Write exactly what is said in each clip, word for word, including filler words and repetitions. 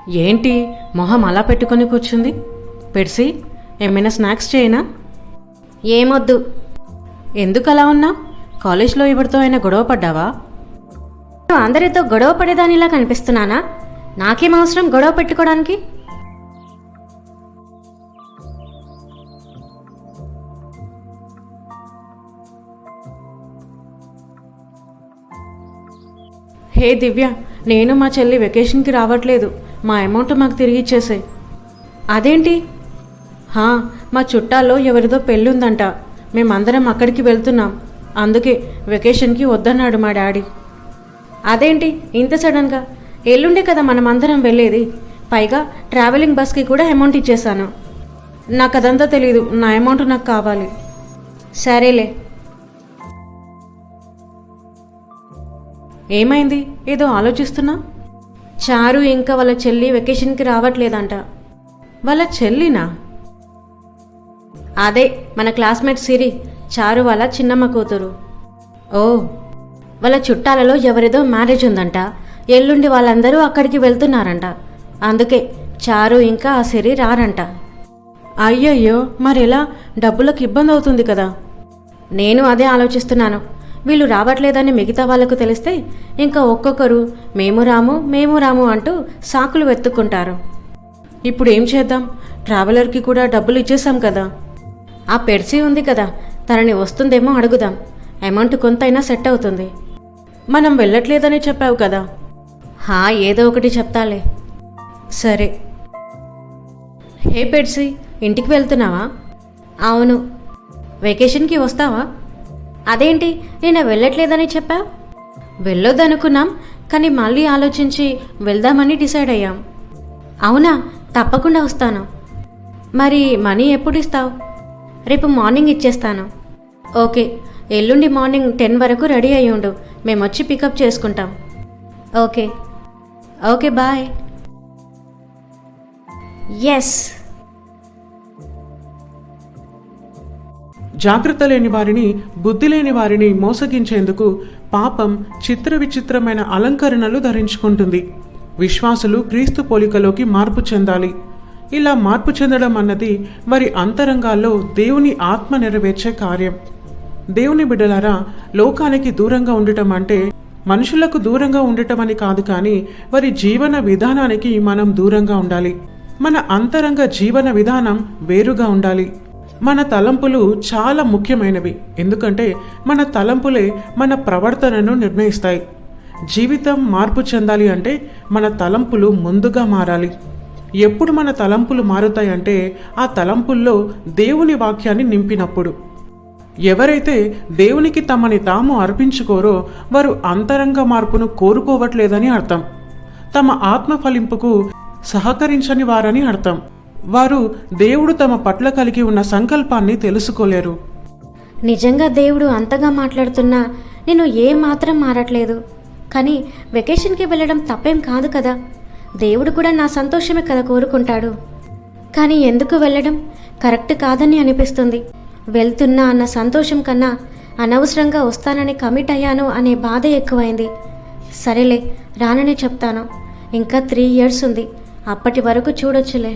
ఏంటి మొహం అలా పెట్టుకొని కూర్చుంది? పెర్సీ, ఏమైనా స్నాక్స్ చేయనా? ఏమొద్దు. ఎందుకు అలా ఉన్నావు? కాలేజ్లో ఎవరితో అయినా గొడవ పడ్డావా? నువ్వు అందరితో గొడవ పడేదానిలా కనిపిస్తున్నానా? నాకేం అవసరం గొడవ పెట్టుకోవడానికి? హే దివ్య, నేను మా చెల్లి వెకేషన్కి రావట్లేదు. మా అమౌంట్ మాకు తిరిగి ఇచ్చేసాయి. అదేంటి? హా, మా చుట్టాల్లో ఎవరిదో పెళ్ళుందంట. మేమందరం అక్కడికి వెళ్తున్నాం. అందుకే వెకేషన్కి వద్దన్నాడు మా డాడీ. అదేంటి ఇంత సడన్గా? ఎల్లుండే కదా మనం అందరం వెళ్ళేది. పైగా ట్రావెలింగ్ బస్కి కూడా అమౌంట్ ఇచ్చేశాను. నాకు అదంతా తెలీదు. నా అమౌంట్ నాకు కావాలి. సరేలే. ఏమైంది? ఏదో ఆలోచిస్తున్నా. చారు ఇంకా వాళ్ళ చెల్లి వెకేషన్కి రావట్లేదంట. వాళ్ళ చెల్లినా? అదే మన క్లాస్మేట్ సిరి, చారు వాళ్ళ చిన్నమ్మ కూతురు. ఓ, వాళ్ళ చుట్టాలలో ఎవరిదో మ్యారేజ్ ఉందంట. ఎల్లుండి వాళ్ళందరూ అక్కడికి వెళ్తున్నారంట. అందుకే చారు ఇంకా ఆ సిరి రారంట. అయ్యయ్యో, మరెలా? డబ్బులకు ఇబ్బంది అవుతుంది కదా. నేను అదే ఆలోచిస్తున్నాను. వీళ్ళు రావట్లేదని మిగతా వాళ్లకు తెలిస్తే ఇంకా ఒక్కొక్కరు మేము రాము మేము రాము అంటూ సాకులు వెతుక్కుంటారు. ఇప్పుడు ఏం చేద్దాం? ట్రావెలర్కి కూడా డబ్బులు ఇచ్చేసాం కదా. ఆ పెర్సీ ఉంది కదా, తనని వస్తుందేమో అడుగుదాం. అమౌంట్ కొంతైనా సెట్ అవుతుంది. మనం వెళ్ళట్లేదని చెప్పావు కదా. హా, ఏదో ఒకటి చెప్తాలే. సరే. హే పెర్సీ, ఇంటికి వెళ్తున్నావా? అవును. వెకేషన్కి వస్తావా? అదేంటి నేను వెళ్ళట్లేదని చెప్పావు? వెళ్ళొద్దనుకున్నాం, కానీ మళ్ళీ ఆలోచించి వెళ్దామని డిసైడ్ అయ్యాం. అవునా? తప్పకుండా వస్తాను. మరి మనీ ఎప్పుడు ఇస్తావు? రేపు మార్నింగ్ ఇచ్చేస్తాను. ఓకే, ఎల్లుండి మార్నింగ్ టెన్ వరకు రెడీ అయ్యి ఉండు. మేము వచ్చి పికప్ చేసుకుంటాం. Okay okay bye. ఎస్. జాగ్రత్త లేని వారిని, బుద్ధి లేని వారిని మోసగించేందుకు పాపం చిత్ర విచిత్రమైన అలంకరణలు ధరించుకుంటుంది. విశ్వాసులు క్రీస్తు పోలికలోకి మార్పు చెందాలి. ఇలా మార్పు చెందడం అన్నది వారి అంతరంగాల్లో దేవుని ఆత్మ నెరవేర్చే కార్యం. దేవుని బిడ్డలారా, లోకానికి దూరంగా ఉండటం అంటే మనుషులకు దూరంగా ఉండటం అని కాదు, కానీ వారి జీవన విధానానికి మనం దూరంగా ఉండాలి. మన అంతరంగ జీవన విధానం వేరుగా ఉండాలి. మన తలంపులు చాలా ముఖ్యమైనవి. ఎందుకంటే మన తలంపులే మన ప్రవర్తనను నిర్ణయిస్తాయి. జీవితం మార్పు చెందాలి అంటే మన తలంపులు ముందుగా మారాలి. ఎప్పుడు మన తలంపులు మారుతాయంటే ఆ తలంపుల్లో దేవుని వాక్యాన్ని నింపినప్పుడు. ఎవరైతే దేవునికి తమని తాము అర్పించుకోరో వారు అంతరంగ మార్పును కోరుకోవట్లేదని అర్థం. తమ ఆత్మ ఫలింపుకు సహకరించని వారని అర్థం. వారు దేవుడు తమ పట్ల కలిగి ఉన్న సంకల్పాన్ని తెలుసుకోలేరు. నిజంగా దేవుడు అంతగా మాట్లాడుతున్నా నేను ఏం మాత్రం మారట్లేదు. కానీ వెకేషన్కి వెళ్ళడం తప్పేం కాదు కదా. దేవుడు కూడా నా సంతోషమే కదా కోరుకుంటాడు. కానీ ఎందుకు వెళ్ళడం కరెక్ట్ కాదని అనిపిస్తుంది. వెళ్తున్నా అన్న సంతోషం కన్నా అనవసరంగా వస్తానని కమిట్ అయ్యాను అనే బాధ ఎక్కువైంది. సరేలే, రాననే చెప్తాను. ఇంకా త్రీ ఇయర్స్ ఉంది, అప్పటి వరకు చూడొచ్చులే.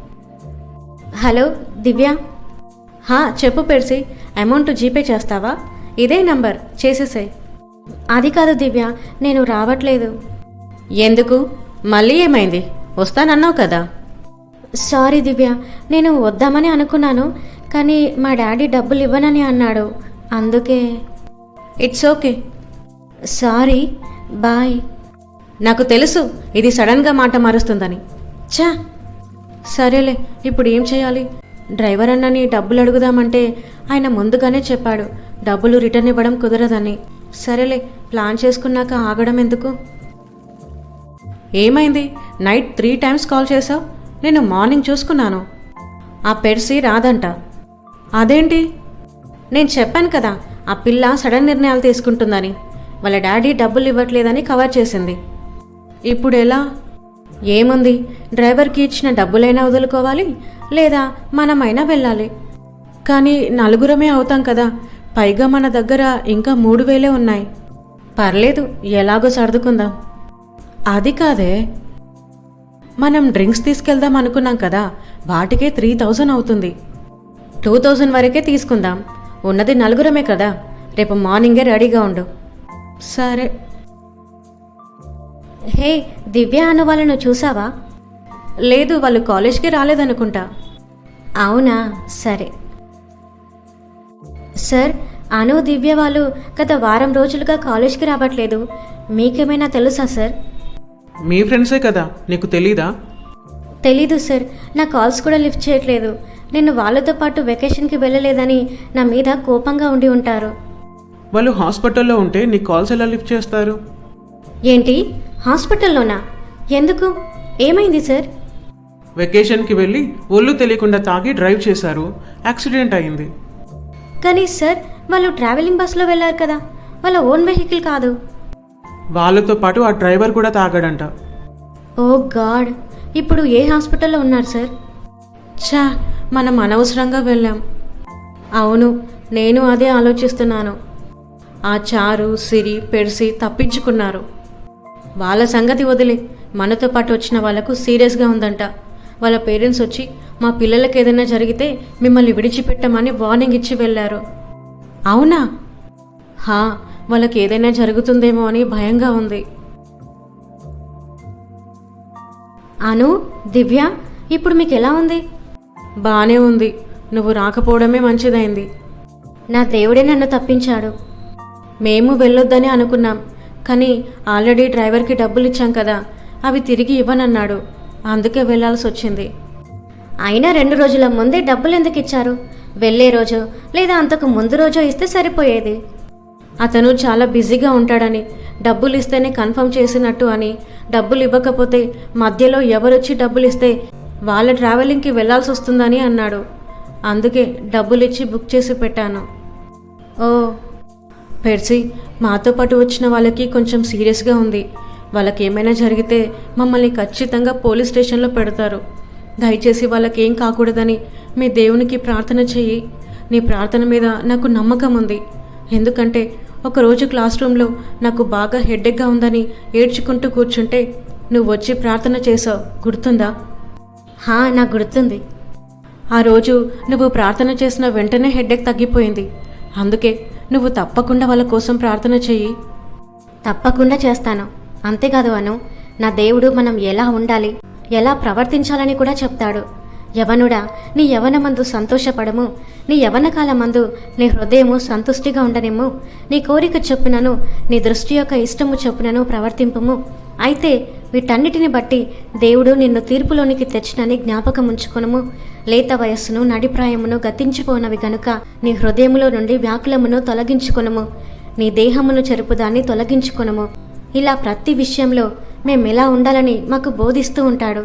హలో దివ్య. హా, చెప్పు పెర్సీ. అమౌంట్ జీపే చేస్తావా? ఇదే నంబర్, చేసేసాయి. అది కాదు దివ్య, నేను రావట్లేదు. ఎందుకు? మళ్ళీ ఏమైంది? వస్తానన్నావు కదా. సారీ దివ్య, నేను వద్దామని అనుకున్నాను, కానీ మా డాడీ డబ్బులు ఇవ్వనని అన్నాడు. అందుకే. It's okay. Sorry, bye. నాకు తెలుసు ఇది సడన్గా మాట మారుస్తుందని. చా. సరేలే, ఇప్పుడు ఏం చేయాలి? డ్రైవర్ అన్నని డబ్బులు అడుగుదామంటే ఆయన ముందుగానే చెప్పాడు డబ్బులు రిటర్న్ ఇవ్వడం కుదరదని. సరేలే, ప్లాన్ చేసుకున్నాక ఆగడం ఎందుకు? ఏమైంది? నైట్ త్రీ టైమ్స్ కాల్ చేసావు. నేను మార్నింగ్ చూసుకున్నాను. ఆ పెర్సీ రాదంట. అదేంటి? నేను చెప్పాను కదా, ఆ పిల్ల సడన్ నిర్ణయాలు తీసుకుంటుందని. వాళ్ళ డాడీ డబ్బులు ఇవ్వట్లేదని కవర్ చేసింది. ఇప్పుడు ఎలా? ఏముంది, డ్రైవర్కి ఇచ్చిన డబ్బులైనా వదులుకోవాలి, లేదా మనమైనా వెళ్ళాలి. కానీ నలుగురమే అవుతాం కదా. పైగా మన దగ్గర ఇంకా మూడు వేలే ఉన్నాయి. పర్లేదు, ఎలాగో సర్దుకుందాం. అది కాదే. మనం డ్రింక్స్ తీసుకెళ్దాం అనుకున్నాం కదా, వాటికే త్రీ థౌజండ్ అవుతుంది. టూ థౌజండ్ వరకే తీసుకుందాం. ఉన్నది నలుగురమే కదా. రేపు మార్నింగే రెడీగా ఉండు. సరే. హే, దివ్య అను వాళ్ళను చూసావా? లేదు, వాళ్ళు కాలేజ్కి రాలేదనుకుంటా. అవునా, సరే. సార్, అను దివ్య వాళ్ళు గత వారం రోజులుగా కాలేజ్కి రావట్లేదు. మీకేమైనా తెలుసా సార్? మీ ఫ్రెండ్సే కదా, నీకు తెలీదా? తెలీదు సార్. నా కాల్స్ కూడా లిఫ్ట్ చేయట్లేదు. నేను వాళ్ళతో పాటు వెకేషన్కి వెళ్ళలేదని నా మీద కోపంగా ఉండి ఉంటారు. వాళ్ళు హాస్పిటల్లో ఉంటే నీ కాల్స్ ఎలా లిఫ్ట్ చేస్తారు? ఏంటి, హాస్పిటల్లోనా? ఎందుకు? ఏమైంది సార్? వెకేషన్కి వెళ్ళి ఒళ్ళు తెలియకుండా తాగి డ్రైవ్ చేశారు, యాక్సిడెంట్ అయింది. కానీ సార్, వాళ్ళు ట్రావెలింగ్ బస్లో వెళ్ళారు కదా, వాళ్ళ ఓన్ వెహికల్ కాదు. వాళ్ళతో పాటు ఆ డ్రైవర్ కూడా తాగాడంట. ఓ గాడ్, ఇప్పుడు ఏ హాస్పిటల్లో ఉన్నారు సార్? ఛా, మనం అనవసరంగా వెళ్ళాం. అవును, నేను అదే ఆలోచిస్తున్నాను. ఆ చారు, సిరి, పెర్సి తప్పించుకున్నారు. వాళ్ళ సంగతి వదిలే, మనతో పాటు వచ్చిన వాళ్ళకు సీరియస్గా ఉందంట. వాళ్ళ పేరెంట్స్ వచ్చి మా పిల్లలకి ఏదైనా జరిగితే మిమ్మల్ని విడిచిపెట్టమని వార్నింగ్ ఇచ్చి వెళ్ళారు. అవునా? హా, వాళ్ళకి ఏదైనా జరుగుతుందేమో అని భయంగా ఉంది. అను, దివ్య, ఇప్పుడు మీకు ఎలా ఉంది? బానే ఉంది. నువ్వు రాకపోవడమే మంచిదైంది. నా దేవుడే నన్ను తప్పించాడు. మేము వెళ్ళొద్దని అనుకున్నాం, కానీ ఆల్రెడీ డ్రైవర్కి డబ్బులు ఇచ్చాం కదా, అవి తిరిగి ఇవ్వనన్నాడు. అందుకే వెళ్ళాల్సి వచ్చింది. అయినా రెండు రోజుల ముందే డబ్బులు ఎందుకు ఇచ్చారు? వెళ్ళే రోజు లేదా అంతకు ముందు రోజు ఇస్తే సరిపోయేది. అతను చాలా బిజీగా ఉంటాడని, డబ్బులు ఇస్తేనే కన్ఫర్మ్ చేసినట్టు అని, డబ్బులు ఇవ్వకపోతే మధ్యలో ఎవరొచ్చి డబ్బులు ఇస్తే వాళ్ళ ట్రావెలింగ్కి వెళ్ళాల్సి వస్తుందని అన్నాడు. అందుకే డబ్బులు ఇచ్చి బుక్ చేసి పెట్టాను. ఓ పెర్సీ, మాతో పాటు వచ్చిన వాళ్ళకి కొంచెం సీరియస్గా ఉంది. వాళ్ళకి ఏమైనా జరిగితే మమ్మల్ని ఖచ్చితంగా పోలీస్ స్టేషన్లో పెడతారు. దయచేసి వాళ్ళకి ఏం కాకూడదని మీ దేవునికి ప్రార్థన చెయ్యి. నీ ప్రార్థన మీద నాకు నమ్మకం ఉంది. ఎందుకంటే ఒకరోజు క్లాస్ రూమ్లో నాకు బాగా హెడ్ఏక్గా ఉందని ఏడ్చుకుంటూ కూర్చుంటే నువ్వు వచ్చి ప్రార్థన చేసావు, గుర్తుందా? హా, నాకు గుర్తుంది. ఆ రోజు నువ్వు ప్రార్థన చేసిన వెంటనే హెడ్ఏక్ తగ్గిపోయింది. అందుకే నువ్వు తప్పకుండా వాళ్ళ కోసం ప్రార్థన చెయ్యి. తప్పకుండా చేస్తాను. అంతేకాదు అను, నా దేవుడు మనం ఎలా ఉండాలి, ఎలా ప్రవర్తించాలని కూడా చెప్తాడు. యవనుడా, నీ యవనమందు సంతోషపడము, నీ యవన కాలమందు నీ హృదయము సంతుష్టిగా ఉండనేమో, నీ కోరిక చొప్పునను నీ దృష్టి యొక్క ఇష్టము చొప్పునను ప్రవర్తింపము. అయితే వీటన్నిటిని బట్టి దేవుడు నిన్ను తీర్పులోనికి తెచ్చినని జ్ఞాపకం ఉంచుకొనుము. లేత వయస్సును నడిప్రాయమును గతించిపోనవి గనుక నీ హృదయములో నుండి వ్యాకులమును తొలగించుకొనుము, నీ దేహమును చెరుపుదాన్ని తొలగించుకొనుము. ఇలా ప్రతి విషయంలో మేమెలా ఉండాలని మాకు బోధిస్తూ ఉంటాడు.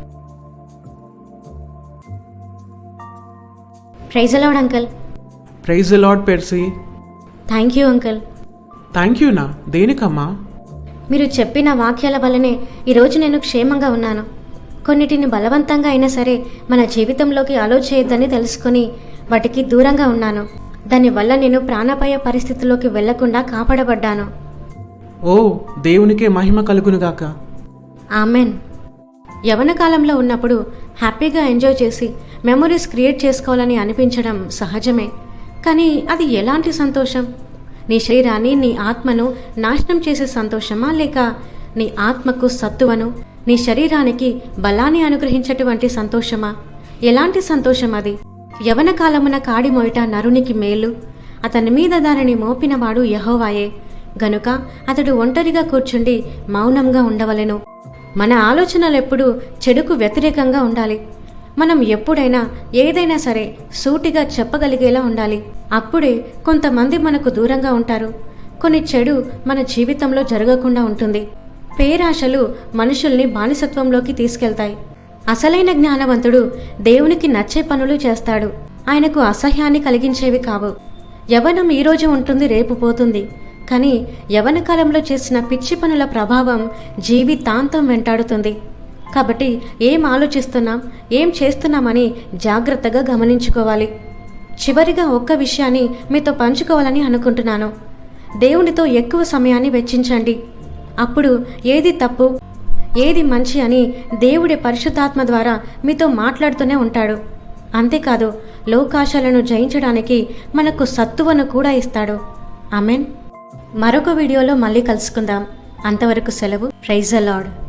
Praise the lord uncle. Praise the lord Percy. Thank you uncle. Thank యూనా? దేనికమ్మా? మీరు చెప్పిన వాక్యాల వల్లనే ఈరోజు నేను క్షేమంగా ఉన్నాను. కొన్నిటిని బలవంతంగా అయినా సరే మన జీవితంలోకి అలో చేయొద్దని తెలుసుకొని వాటికి దూరంగా ఉన్నాను. దానివల్ల నేను ప్రాణాపాయ పరిస్థితిలోకి వెళ్లకుండా కాపాడబడ్డాను. ఓ, దేవునికే మహిమ కలుగునుగాక. ఆమెన్. యవన కాలంలో ఉన్నప్పుడు హ్యాపీగా ఎంజాయ్ చేసి మెమొరీస్ క్రియేట్ చేసుకోవాలని అనిపించడం సహజమే. కానీ అది ఎలాంటి సంతోషం? నీ శరీరాన్ని, నీ ఆత్మను నాశనం చేసే సంతోషమా, లేక నీ ఆత్మకు సత్తువను, నీ శరీరానికి బలాన్ని అనుగ్రహించేటువంటి సంతోషమా? ఎలాంటి సంతోషం అది? యవన కాలమున కాడి మొయట నరునికి మేలు, అతని మీద దానిని మోపినవాడు యెహోవాయే గనుక అతడు ఒంటరిగా కూర్చుండి మౌనంగా ఉండవలెను. మన ఆలోచనలెప్పుడూ చెడుకు వ్యతిరేకంగా ఉండాలి. మనం ఎప్పుడైనా ఏదైనా సరే సూటిగా చెప్పగలిగేలా ఉండాలి. అప్పుడే కొంతమంది మనకు దూరంగా ఉంటారు. కొన్ని చెడు మన జీవితంలో జరగకుండా ఉంటుంది. పేరాశలు మనుషుల్ని బానిసత్వంలోకి తీసుకెళ్తాయి. అసలైన జ్ఞానవంతుడు దేవునికి నచ్చే పనులు చేస్తాడు. ఆయనకు అసహ్యాన్ని కలిగించేవి కావు. యవ్వనం ఈరోజు ఉంటుంది, రేపు పోతుంది. కానీ యవ్వన కాలంలో చేసిన పిచ్చి పనుల ప్రభావం జీవితాంతం వెంటాడుతుంది. కాబట్టి ఏం ఆలోచిస్తున్నాం, ఏం చేస్తున్నామని జాగ్రత్తగా గమనించుకోవాలి. చివరిగా ఒక్క విషయాన్ని మీతో పంచుకోవాలని అనుకుంటున్నాను. దేవునితో ఎక్కువ సమయాన్ని వెచ్చించండి. అప్పుడు ఏది తప్పు, ఏది మంచి అని దేవుడి పరిశుద్ధాత్మ ద్వారా మీతో మాట్లాడుతూనే ఉంటాడు. అంతేకాదు లోకాశాలను జయించడానికి మనకు సత్తువను కూడా ఇస్తాడు. ఆమెన్. మరొక వీడియోలో మళ్ళీ కలుసుకుందాం. అంతవరకు సెలవు. Praise the lord.